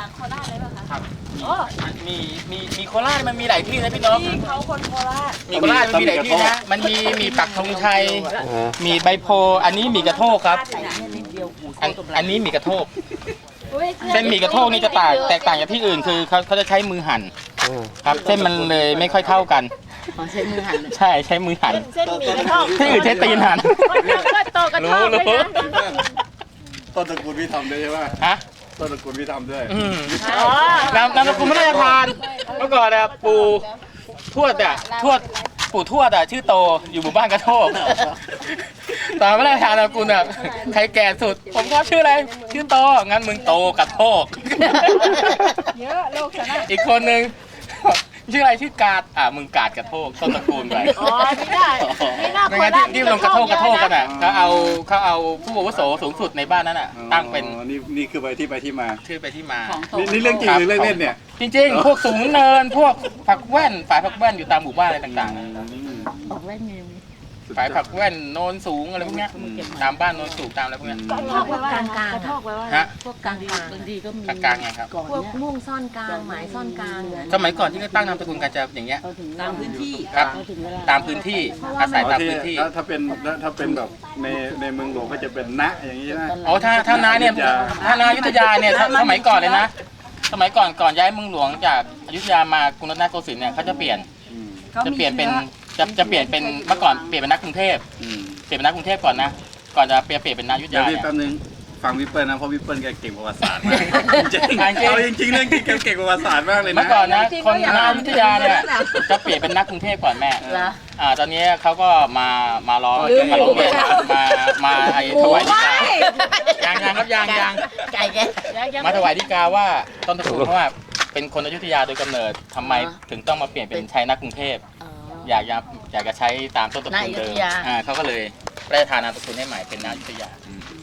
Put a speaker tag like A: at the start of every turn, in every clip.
A: จากโคราชเลยป่ะคะ
B: ครับ
A: โอ้
B: มีโคราชมันมีหลายที่นะพี่น้อง
A: พี่เขาคนโคราช
B: มีโคราชมันมีหลายที่นะมันมีปักธงชัยมีใบโพอันนี้มีกระโทกครับอันนี้มีกระโทกเส้นหมี่กระโทกนี่จะแตกต่างจากที่อื่นคือเขาจะใช้มือหั่นครับเส้นมันเลยไม่ค่อยเท่ากัน
C: ใช้มือหั่น
B: ใช่ใช้มือหั่น
A: เส้นหมี่กระโทก
B: ที่อื่นใช้ตีนหั่น
A: ก็โตกระโทกเลยนะ
D: ต้นตระกูลพี่ทำด้วยใช่ไหม
B: ฮะ
D: ต้นตระกูลพี่ทำด้วย
B: นามสกุลไม่ได้ทานเมื่อก่อนอะปู่ทวดปู่ทวดอะชื่อโตอยู่หมู่บ้านกระโทกตอนไม่ได้ทานนามสกุลอะใครแก่สุดผมก็ชื่ออะไรชื่อโตงั้นมึงโตกระโทก
A: เยอะโลกชนะ
B: อีกคนนึงชื่ออะไรชื่อกาดมึงกาดกระโทกต้นตระกูลไป
A: อ๋อไม่ได้ไม่น่า
B: ไม่งั้นที่ลงกระโทกกันอ่ะเขาเอาผู้อาวุโสสูงสุดในบ้านนั้นอ่ะตั้งเป็น
D: นี่คือที่ไปที่มา
B: ชื่อไปที่มา
D: นี่เรื่องจริงหรือเรื่องเล่นเนี่ย
B: จริงๆพวกสูงเนินพวกผักแว่นฝ่ายผักแว่นอยู่ตามหมู่บ้านอะไรต่างๆ
C: ผักแว่นไง
B: ฝ่ายผักแว่นโนนสูงอะไรพวกเนี้ยตามบ้านโนนสูงตามอะไรพวกเนี้ย
A: กระโทกไว้ว่ากระโทกไว้ว่า
C: พวกกลางบางทีก็มี
B: กลางไงครับ
C: พวกม่วงซ่อนกลางหมายซ่อนกลาง
B: สมัยก่อนที่เขาตั้งนามสกุลกันจะอย่างเงี้ย
C: ตามพื้นที่
B: ครับตามพื้นที่อาศัยตามพื้นที่
D: ถ้าเป็นแบบในเมืองหลวงก็จะเป็นณอย่างนี้นะ
B: อ๋อถ้านาเนี่ยถ้านาอยุธยาเนี่ยสมัยก่อนเลยนะสมัยก่อนย้ายเมืองหลวงจากอยุธยามากรุงรัตนโกสินทร์เนี่ยเขาจะเปลี่ยนเป็นจะเปลี่ยนเป็นเมื่อก่อนเปลี่ยนเป็นนักกรุงเทพเปลี่ยนเป็นนักกรุงเทพก่อนนะก่อนจะเปลี่ยนเป็นนายุธยา
D: เนี่ยแป๊บนึงฟังวิปเปิลนะเพราะวิปเปิลแกเก่งประวัติศาสตร์มากจริงเอาจริงเรื่องที่เก่งประวัติศาสตร์มากเลยนะ
B: เมื่อก่อนนะคนนายุธยาเนี่ยจะเปลี่ยนเป็นนักกรุงเทพก่อนแม่ตอนนี้เขาก็มาร้องเรียนมาถวายฎีกายังครับยัง
C: ไก่แก
B: มาถวายฎีกาว่าต้นตระกูลเพราะว่าเป็นคนอยุธยาโดยกำเนิดทำไมถึงต้องมาเปลี่ยนเป็นใช้นักกรุงเทพอยากจะใช้ตามต้นตระกูลเดิมเขาก็เลยได้ทานนามสกุลให้ใหม่เป็นนายุธยา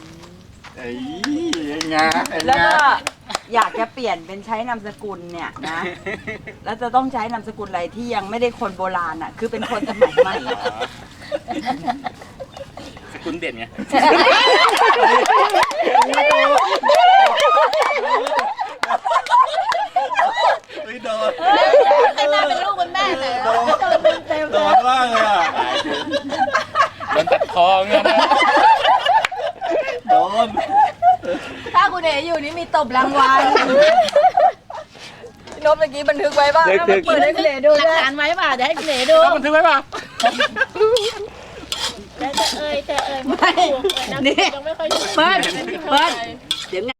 A: แล้วก็อยากจะเปลี่ยนเป็นใช้นามสกุลเนี่ยนะแล้วจะต้องใช้นามสกุลอะไรที่ยังไม่ได้คนโบราณอ่ะคือเป็นคนสมัยใหม่
B: สกุลเด่นไง
D: ไม่โดน
A: ใครมาเป็นลูกเป็นแม่เลย
D: โดนมากเลยอ่ะ
B: โดนตัดคอเงี้ย
D: โดน
A: ถ้าคุณเอ๋อยู่นี่มีตบรางวัลนบเมื่อกี้บันทึกไว้ป่ะเปิดให้คุณเอ๋ดู
C: หลักฐานไว้ป่ะเดี๋ยวให้คุณเอ๋ดู
B: บันทึกไว้ป่ะ
A: แต่ไม่นี่เปิ้ลเดี๋ยว